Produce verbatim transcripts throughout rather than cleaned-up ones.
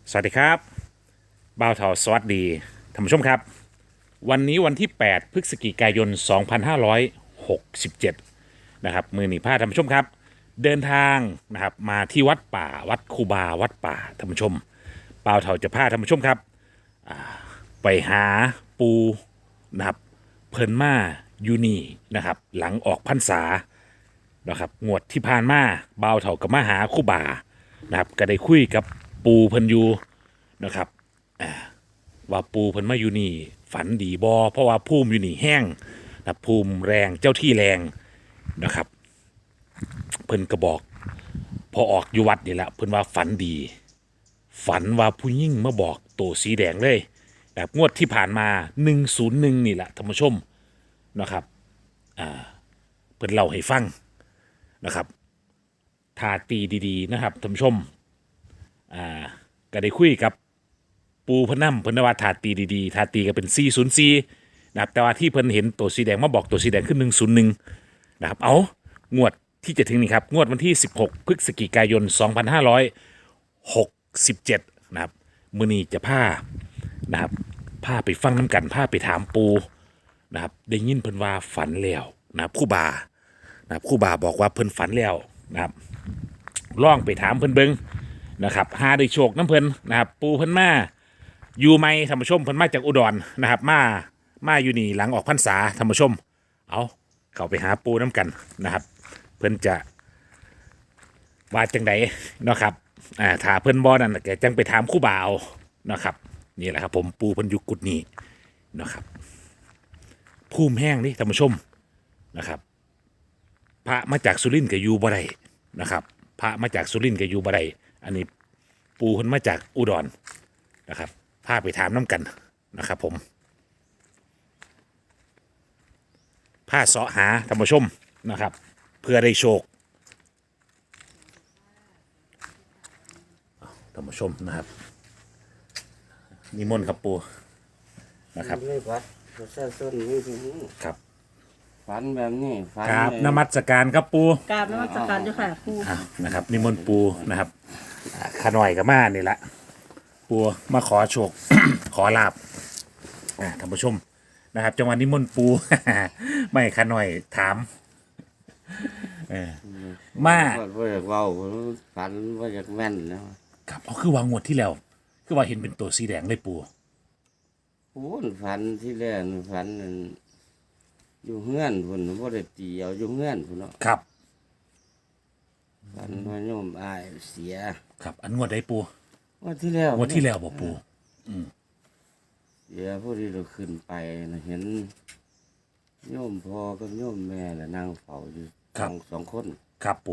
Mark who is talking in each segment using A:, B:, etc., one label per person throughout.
A: สวัสดีครับบ่าวเทาสวัสดีท่านผู้ชมครับวันนี้วันที่แปดพฤศจิกายนสองพันห้าร้อยหกสิบเจ็ดนะครับมือหนีผ้าท่านผู้ชมครับเดินทางนะครับมาที่วัดป่าวัดคูบาวัดป่าท่านผู้ชมบ่าวเทาจะพาท่านผู้ชมครับไปหาปูนะครับเพิ่นมาอยู่นี่นะครับหลังออกพรรษานะครับงวดที่ผ่านมาบ่าวเถากับมาหาคูบานะครับก็ได้คุยกับปูเพิ่นอยู่นะครับว่าปูเพิ่นมาอยู่นี่ฝันดีบอเพราะว่าภูมิอยู่นี่แห้งนะภูมิแรงเจ้าที่แรงนะครับเพิ่นก็บอกพอออกอยู่วัดนี่แหละเพิ่นว่าฝันดีฝันว่าผู้ยิ่งมาบอกตัวสีแดงเลยแบบงวดที่ผ่านมาหนึ่งศูนย์หนึ่งนี่แหละท่านผู้ชมนะครับอ่าเพิ่นเล่าให้ฟังนะครับทาตีดีๆนะครับท่านผู้ชมอ่าก็ได้คุยกับปูเพนนัมเพิ่นว่าทาตีดีๆทาตีก็เป็นสี่ศูนย์สี่นะครับแต่ว่าที่เพิ่นเห็นตัวสีแดงมาบอกตัวสีแดงขึ้นหนึ่งศูนย์หนึ่งนะครับเอางวดที่จะถึงนี่ครับงวดวันที่สิบหกพฤศจิกายนสองพันห้าร้อยหกสิบเจ็ดนะครับมื้อนี้จะพานะครับพาไปฟังน้ำกันพาไปถามปูนะครับได้ยินเพิ่นว่าฝันแล้วนะครับครู่บานะครับครู่บาบอกว่าเพิ่นฝันแล้วนะครับลองไปถามเพิ่นเบิงนะครับหาได้โชคน้ำเพิ่นนะครับปูเพิ่นมาอยู่ไหมท่านผู้ชมเพิ่นมาจากอุดรนะครับมามาอยู่นี่หลังออกพรรษาท่านผู้ชมเอาเข้าไปหาปูน้ำกันนะครับเพิ่นจะว่าจังไดเนาะครับอ่าถ้าเพิ่นบ่นั่นแกจังไปถามครู่บาเอานะครับนี่แหละครับผมปูเพิ่นอยู่กุดนี้นะครับภูมิแห้งนี่ท่านผู้ชมนะครับพระมาจากสุรินทร์ก็อยู่บ่ได้นะครับพระมาจากสุรินทร์ก็อยู่บ่ได้อันนี้ปูเพิ่นมาจากอุดรนะครับพาไปถามน้ำกันนะครับผมพาเสาะหาท่านผู้ชมนะครับเพื่อได้โชคท่านผู้ชมนะครับนิมนต์ครับปูนะครับ
B: เลยวัดประชาชนนี่ทีนี้
A: ครับ
B: ฝันแบบนี้ฝัน
A: กราบ
B: เลย
A: นมัสการครับปู
C: กราบนมัสการเจ้าค่ะครู
A: อ่ะนะครับนิมนต์ปูนะครับอ่าขาหน่อยกับมานี่ละปูมาขอโชค ขอลาบอ่าท่านผู้ชมนะครับจังหวะนิมนต์ปู ไม่ขาหน่อยถามเออมา
B: ว่าว่าอยากเว้าฝันว่าอยากแม่นนะครับ
A: เอาคือวางงวดที่แล้ว คือว่าเห็นเป็นตัวสีแดงเลยปู
B: โอ้ยฝันที่แรกนี่ฝันนั่นอยู่เฮือนพุ่นบ่ได้ตีเอาอยู่เฮือนพุ่นเนาะ
A: ครับ
B: ฝันว่าโยมอายเสีย
A: ครับอันงวดได้ปู
B: ว่าที่แล้ว
A: งวดที่แล้วบอกปู
B: เสียพอดีเราขึ้นไปนะเห็นโยมพ่อกับโยมแม่น่ะนั่งเฝ้าอยู่สองสองคน
A: ครับปู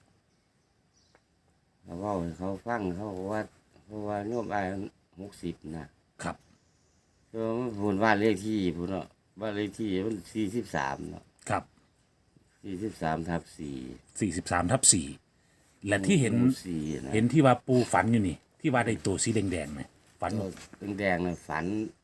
B: เขาเว้าให้เขาฟังเขาบอกว่าเพราะว่าโยมอายหกสิบนะครับ เออมันพูดว่าเลขที่พูดเนาะว่าเลขที่มันสี่สิบสามเนาะ
A: ครับ
B: สี่สิบสามทับสี่
A: สี่สิบสามทับสี่และที่เห็น
B: สี่นะ
A: เห็นที่ว่าปูฝันอยู่นี่ ที่ว่าได้ตัวสีแดงๆไหมฝัน
B: ตัวแดงๆนะฝัน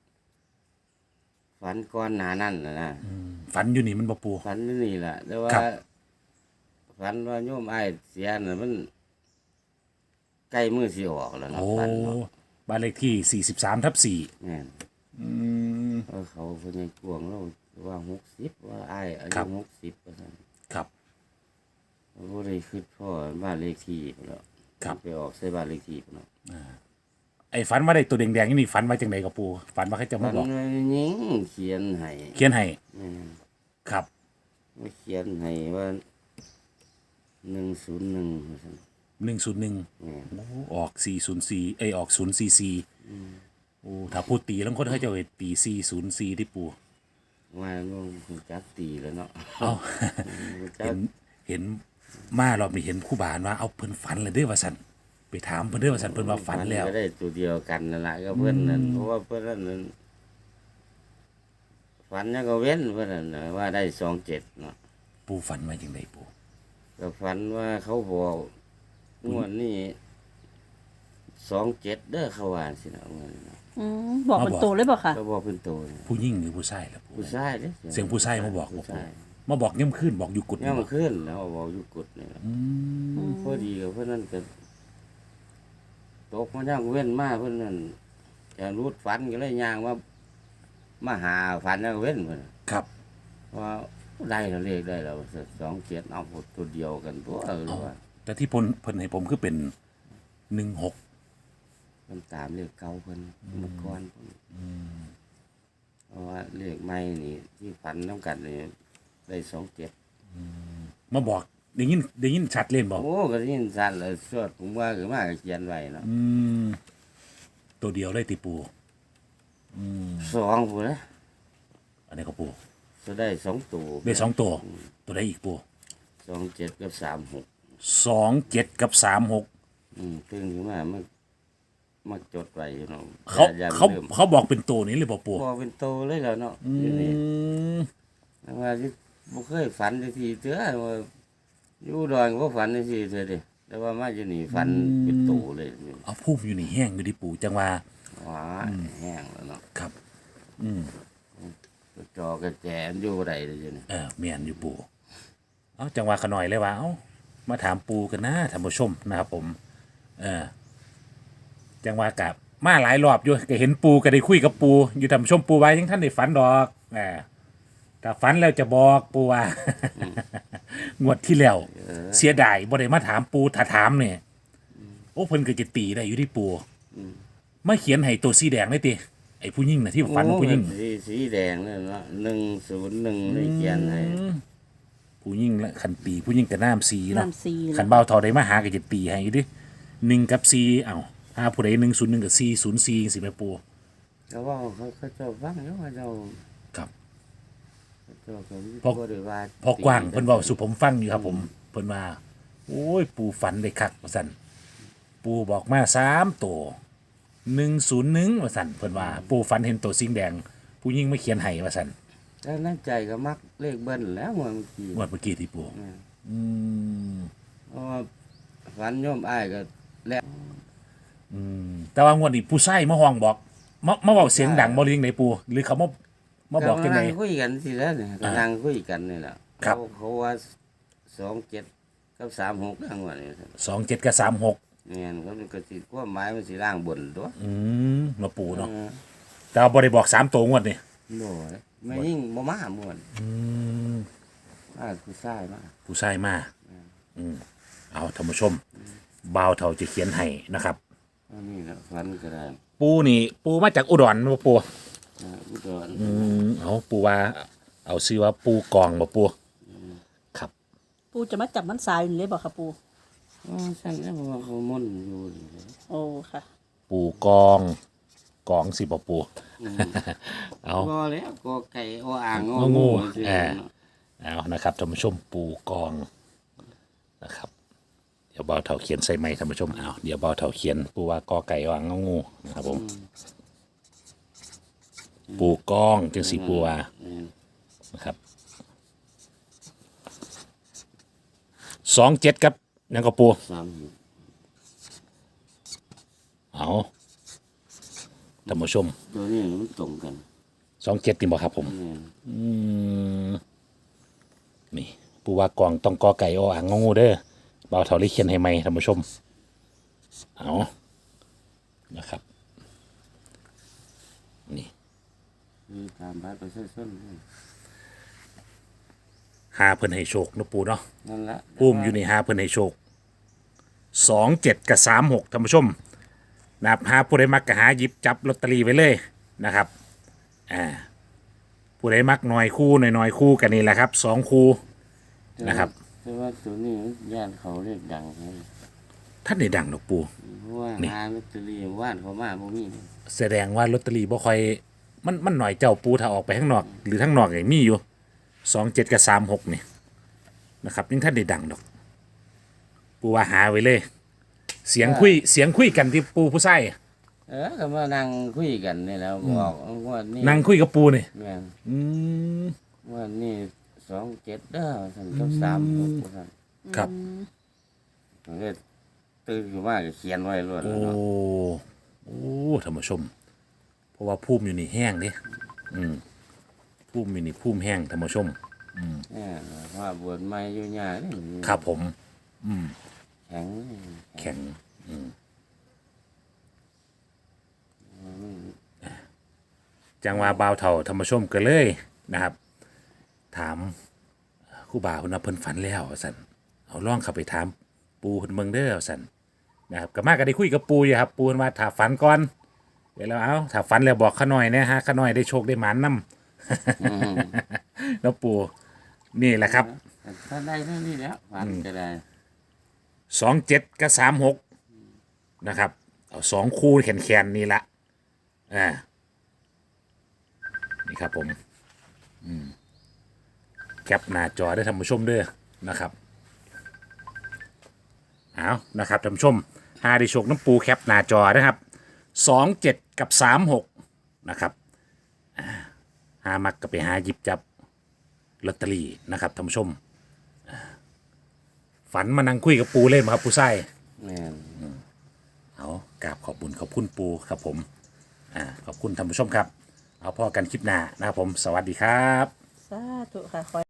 B: ฝันก้อนหนานั่นนะนะ
A: ฝันอยู่นี่มันบ่ปู
B: ฝันอยู่นี่แหละแต่ว่า
A: ครับ
B: ฝันว่าโยมไอ้ายเสียน่ะมันใกล้มือสิออกแล้วนะ
A: โอ้
B: ฝันเนาะ
A: บ้านเลขที่สี่สิบสามทับสี่
B: แม่นเออเขาเพิ่นยังกวงเราว่าหกสิบว่าไอ้ายอายุหกสิบว่าซั่น
A: ครับ
B: บ่ได้คิดพ่อบ้านเลขที่พุ่นแล้ว
A: ครับ
B: ไปออกใส่บ้านเลขที่พุ่นเนาะ
A: ไอ้ฝันว่าได้ตัวแดงๆนี่ฝันว่าจังไดกับปูฝันว่าเขาจะ
B: มั
A: มาน บอก
B: ยิงเขียนให้
A: เขียนให้
B: แม่น
A: ครับ
B: มาเขียนให้ว่าหนึ่งศูนย์หนึ่ง
A: หนึ่งศูนย์หนึ่งออกสี่ศูนย์สี่เอยออกศูนย์สี่สี่โอ้ถ้าพูดตีแล้วคนเขาจะเอาไปตีสี่ศูนย์สี่ที่ปู
B: ว่ามันจักตีแล้วเนาะ
A: เอา
B: จั
A: เห็
B: ก
A: นเห็นมารอบนี้เห็นครู่บานว่าเอาเพิ่นฝันเลยเด้อว่าสันไปถามเพิ่นเด้อว่าสันเพิ่นว่าฝันแล้ว
B: ก็ได้ตัวเดียวกันนั่นแหละก็เพื่อนนั่นเพราะว่าเพื่อนนั่นฝันยังก็เว้นเพื่อนนั่นน่ะว่าได้สองเจ็ดเนาะ
A: ปูฝันมาจังไดปู
B: ก็ฝันว่าเขาบอกงวดนี้สองเจ็ดเด้อเขาว่าสินะงวดนี้นะ
C: อืมบอกเป็นตัวเลยบอกค่ะ
B: ก็บอกเป็นตัวนี่
A: ผู้หญิงหรือผู้ชายล่ะปู
B: ผู้ชายเด้อ
A: เสียงผู้ชายมาบอก
B: ผู้
A: บอก
B: ชาย
A: มาบอกย่ำขึ้นบอกอยู่กุด
B: เนี่ยมันขึ้นแล้วบอกอยู่กุดนี่ล่ะ
A: อืม
B: พอดีกับเพื่อนนั่นก็ไปตกมาย่างเว้นมาเพิ่นนั่นจะรูดฝันก็เลยย่างว่ามาหาฝันแล้วเว้นเพิ่น
A: ครับ
B: ว่าได้แล้วเลขได้แล้วสองเจ็ดเอาหมดตัวเดียวกันตัวเออว่า
A: แต่ที่เพิ่นเพิ่นให้ผมคือเป็นหนึ่งหก
B: มันตามเลขเก่าเพิ่นเมื่อก่อนเพิ่นเพราะว่าเลขใหม่นี่ที่ฝันน้ำกันนี่ได้สองเจ็ด
A: มาบอกได้ยินได้ยินชัดเล่นบอก
B: โอ้ก็ได้ยินสั่นเลยสวดผมว่าคือมากเขียนไว้เนาะ
A: อืมตัวเดียวได้ติปูอืม
B: สองผู้นะ
A: อันนี้ก็ปู
B: จะได้สองตัว
A: ได้สองตัว ตัวได้อีกปู
B: สองเจ็ดกับสามหก
A: สองเจ็ดกับสามหก
B: อืมตึงขึ้นมามันมาจดไว้อยู่เนาะ
A: เขา
B: อย่
A: เขา
B: ลืม
A: เขาบอกเป็นตัวนี้เลยบอกปู
B: พอเป็นโตเลยแล้วเนาะ
A: อื
B: อยู่นี่
A: ม
B: แต่ว่าที่บ่เคยฝันจักทีเตื้อว่าอยู่ดอนก็ฝันจักทีเตื้อเดิแต่ว่ามาอยู่นี่ฝันเป็นโตเลยนี่
A: เอาพุ่มอยู่ในแห้งอยู่ดิปูจังว่า
B: ว้าแห้งแล้วเนาะ
A: ครับ อืม
B: จอกระแจมอยู่บ่ได้เลยอยู่นี่
A: เออเมียนอยู่ปูเอาจังหวะขน่อยเลยว่าเอามาถามปูกันนะท่านผู้ชมนะครับผม เออจังหวะกับมาหลายรอบอยู่ก็เห็นปูก็ได้คุยกับปู อยู่ท่านผู้ชมปูไว้ยังท่านได้ฝันดอกเออถ้าฝันแล้วจะบอกปูว่า งวดที่แล้วเสียดายบ่ได้มาถามปูถ้าถามเนี่ยโอ้เพิ่นก็จะตีได้อยู่ที่ปูมาเขียนให้ตัวสีแดงเลยติไอ้ผู้หญิงน่ะที่ฝันผู้หญิง
B: โอ้สีสีแดงนั่นเนาะหนึ่งศูนย์หนึ่งเลยเขียนให้
A: ผู้ยิ่งและขันตีผู้ยิ่งกับน้ำซีเนาะ
C: น้ำซีเหรอ
A: ขันเบาเทอได้มาหากับจะตีให้อยู่ดิหนึ่งกับซีเอ้าหาผู้ใดหนึ่งศูนย์หนึ่งกับซีศูนย์ซีสิแม่ปู
B: เขาว่าเขาเขาเจ้าฟังแล้วว่าเจ้า
A: ครับ
B: เขาเจ้าก็
A: พอ
B: บ่ได้ว่า
A: พอกว้างเพิ่นเว้าสู่ผมฟังอยู่ครับผมเพิ่นว่าโอ้ยปูฝันได้คักว่าซั่นปูบอกมาสามตัวหนึ่งศูนย์หนึ่งว่าซั่นเพิ่นว่า ปูฝันเห็นตัวสิงแดง ผู้ยิ่งไม่เขียนให้ว่าซั่น
B: แล้วนั่นใจก็มักเลขเบิ้ลแล้วเมื่อกี้
A: งวดเมื่อกี้ที่ปูอืม
B: เพราะว่าฝันโยมอ้ายก็แล้ว
A: อืมแต่ว่างวดนี้ผู้ชายมาห้องบอกมามาเว้าเสียงดังบ่เลี้ยงไหนปู หรือเขามามาบอกจังได
B: นั่งคุยกันสิแล้วเนี่ยก็นั่งคุยกันนี่แหละ
A: ครับ
B: เขาเขาว่าสองเจ็ดกับสามหกดังว่านี่
A: สองเจ็ดกับสามหก
B: เนี่ยเขาก็สิความหมายมันสิร่างบนตัว
A: อืมมาปูเนาะ
B: เออ
A: แต่ว่าบ่ได้บอกสามตัวงวดนี่
B: โน่ยไม่ยิ่งบ่มาม่วน
A: อืม
B: มาคือชายมา
A: ผู้ชายมาอืมเอาท่านผู้ชมบ่าวเฒ่าจะเขียนให้นะครับ
B: อันนี้นะฝันก็ได้
A: ปูนี่ ปูมาจากอุดรบ่ปู
B: นะอุดร
A: อืมเอาปูว่า เอาชื่อว่าปูกองบ่ปูครับ
C: ปูจะมาจับมันสายอยู่เลยบอกค่ะปู
B: อ๋อสั่นแล้วว่าเขาม่นอยู่นี่เลย
C: โอ้ค่ะ
A: ปูกองกองสิบ่ปู เอา
B: ก็แล้วก็ไก่โออ่าง
A: ง
B: โอ
A: องู
B: งู
A: อ่า เอานะครับท่านผู้ชมปูกองนะครับ เดี๋ยวเบาเถาเขียนใส่ไม้ท่านผู้ชมเอาเดี๋ยวเบาเถาเขียนปูว่ากอไก่วางงองูนะครับผมปูกองจึงสีปูว่านะครับสองเจ็ดครับนั่นก็ปู
B: สาม
A: เอาท่านผู้ชม
B: ตัวนี้มันตรงกัน
A: สองเจ็ดนี่บอกครับผม
B: เนี่ย
A: อืมนี่ปูว่ากองต้องกอไก่ออ่างงองูเด้อเบาเถาเลยเขียนให้ไหมท่านผู้ชมเอานะครับนี่
B: มีตามบัตรประชาชนด้วย
A: หาเพิ่นให้โชคเนาะปูเนาะ
B: นั่นละ
A: ปูมอยู่ในหาเพิ่นให้โชคสองเจ็ดกับสามหกท่านผู้ชมนะครับหาผู้ใดมักก็หาหยิบจับลอตเตอรี่ไว้เลยนะครับอ่าผู้ใดมักหน่อยคู่หน่อยหน่อยคู่กันนี่แหละครับสองคู่นะครับ
B: แต่ว่าตัวนี้ญาติเขาเรียกดังเลย
A: ท่านได้ดังดอกปู
B: เพราะว่า
A: นี่
B: หาลอตเตอรี่ว่านเขามาบ่มีนี่
A: แสดงว่าลอตเตอรี่บ่ค่อยมันมันหน่อยเจ้าปูถ้าออกไปข้างนอก หรือข้างนอกอย่างมีอยู่สองเจ็ดกับสามหกนี่นะครับยังท่านได้ดังดอก ปูว่าหาไว้เลย เสียงคุยเสียงคุยกันที่ปูผู้ใส่
B: เออก็มานั่งคุยกันนี่แล้วบอกว่านี่
A: นั่งคุยกับปูนี่
B: แม่น
A: อืม
B: ว่านี่สองเจ็ดเด้อท่านกับสามหกท่าน
A: ครับ
B: มันก็ตื่นขึ้นมาก็เขียนไว้รวด
A: โอ้
B: แล้วเนาะ
A: โอ้ท่านผู้ชม เพราะว่าภูมิอยู่นี่แห้งเดิอืมภูมิอยู่นี่ภูมิแห้งท่านผู้ชม
B: แม่นว่าบวชใหม่อยู่ยากนี่
A: ครับผม
B: แข็ง
A: แข็งจังว่าบ่าวเฒ่าธรรมชมก็เลยนะครับ ถามครูบาเพิ่นว่าเพิ่นฝันแล้วว่าซั่นเอาลองเข้าไปถามปูเพิ่นเบิ่งเด้อว่าซั่นนะครับก็มาก็ได้คุยกับปูอยู่ครับปูเพิ่นว่าถ้าฝันก่อนเดี๋ยวเราเอาถ้าฝันแล้วบอกข้าน้อยนะฮะข้าน้อยได้โชคได้หมานนำ แล้วปูนี่แหละครับ
B: ถ้าได้เท่านี้แล้วฝันก็ได้
A: สองเจ็ดกับสามหกนะครับเอาสองคู่แขนๆนี่ละอ่านี่ครับผมอืมแคปหน้าจอได้ท่านผู้ชมเด้อนะครับเอานะครับท่านผู้ชมหาได้โชคน้ำปูแคปหน้าจอนะครับสองเจ็ดกับสามหกนะครับอ่าหามักก็ไปหาหยิบจับลอตเตอรี่นะครับท่านผู้ชมอ่าฝันมานั่งคุยกับปูเล่นครับปูไส้
B: แม่น
A: เอากราบขอบบุญขอบคุณปูครับผมอ่าขอบคุณท่านผู้ชมครับ เอาพอกันคลิปหน้านะครับผม สวัสดีครับ
C: สาธุค่ะ